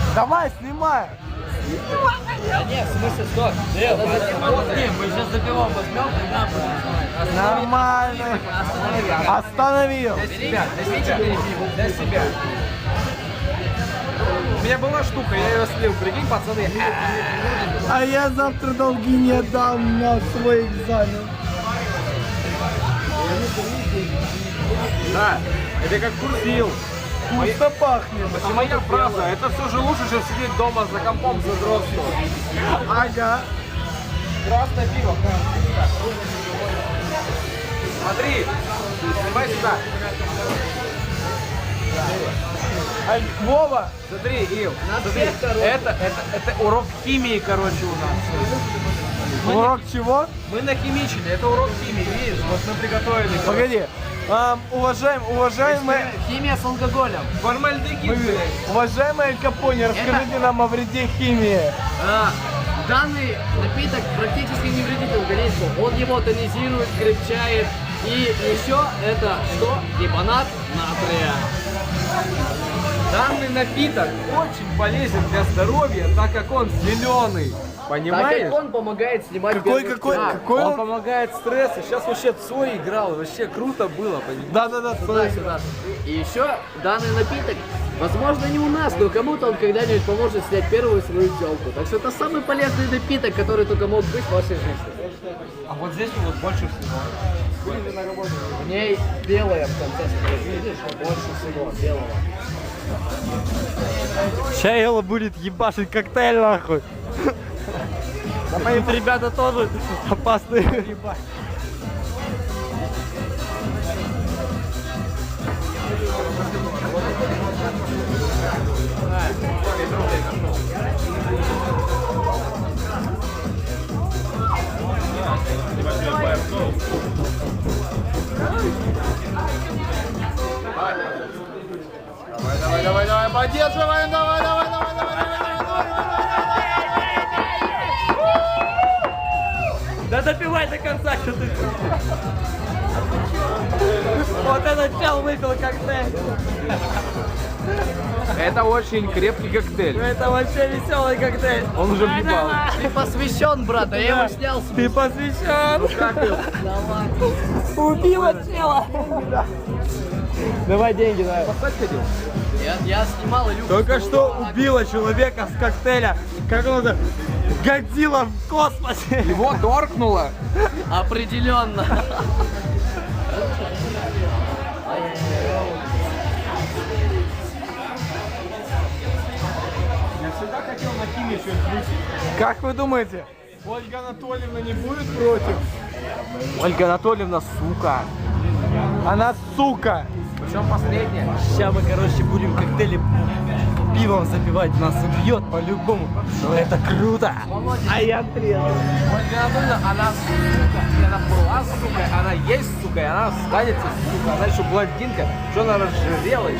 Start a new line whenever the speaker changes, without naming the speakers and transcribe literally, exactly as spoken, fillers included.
Давай, снимай.
Да нет, в смысле, стоп. Мы сейчас за пивом возьмем, тогда будем снимать.
Нормально. Остановил.
Для себя, для себя. Для себя.
У меня была штука, я ее слил, прикинь, пацаны.
А я завтра долги не отдам на свой экзамен.
Да, это как курсил.
Вкусно пахнет.
А моя фраза, это все же лучше, чем сидеть дома за компом за дротью.
Ага.
Красное пиво. Смотри, снимай сюда.
А, Вова.
Смотри, Ил, смотри, это, это, это урок химии, короче, у нас.
Урок чего?
Мы нахимичили, это урок химии, видишь, вот мы приготовили.
Погоди. Ам, уважаем, уважаемые,
Химия с алкоголем.
Формальдегид.
уважаемые Капони, расскажите нам о вреде химии.
А, данный напиток практически не вредит организму. Он его тонизирует, крепчает. И еще это что? Лимонад натрия.
Данный напиток очень полезен для здоровья, так как он зеленый.
Так
Понимаешь?
как он помогает снимать
Какой,
первый
какой,
стресс.
какой
Он
он?
помогает стрессу. Сейчас вообще Цой играл, вообще круто было, понимаешь?
Да-да-да,
Сюда, сюда. И еще данный напиток, возможно, не у нас, но кому-то он когда-нибудь поможет снять первую свою телку. Так что это самый полезный напиток, который только мог быть в вашей жизни.
А вот здесь вот больше всего.
В ней белая в конце, видишь, больше всего белого.
Сейчас Элла будет ебашить коктейль нахуй. Тут ребята тоже опасные.
Давай, давай, давай, давай, поддерживаем, давай, давай, давай, давай, давай,
Да допивай до конца, что ты. Вот этот чел выпил коктейль.
Это очень крепкий коктейль.
Это вообще веселый коктейль.
Он уже въебал.
Ты посвящен, брат, а я его снял с
Ты посвящен. Убила чела. Давай деньги, давай.
Поставь ходил?
Я, я снимал Илюху.
Только что убила человека с коктейля. Как он это? Годзилла в космосе.
Его торкнуло.
Определенно.
Я всегда хотел на химии что-нибудь включить.
Как вы думаете?
Ольга Анатольевна не будет против?
Ольга Анатольевна, сука. Она сука.
Причем последняя.
Сейчас мы, короче, будем коктейли пивом запивать. Нас убьет по-любому. Но это круто. А я трезв.
Ольга Анатольевна, она сука. И она была сука, она есть сука, и она останется сука. Она еще блондинка, что она разжирела.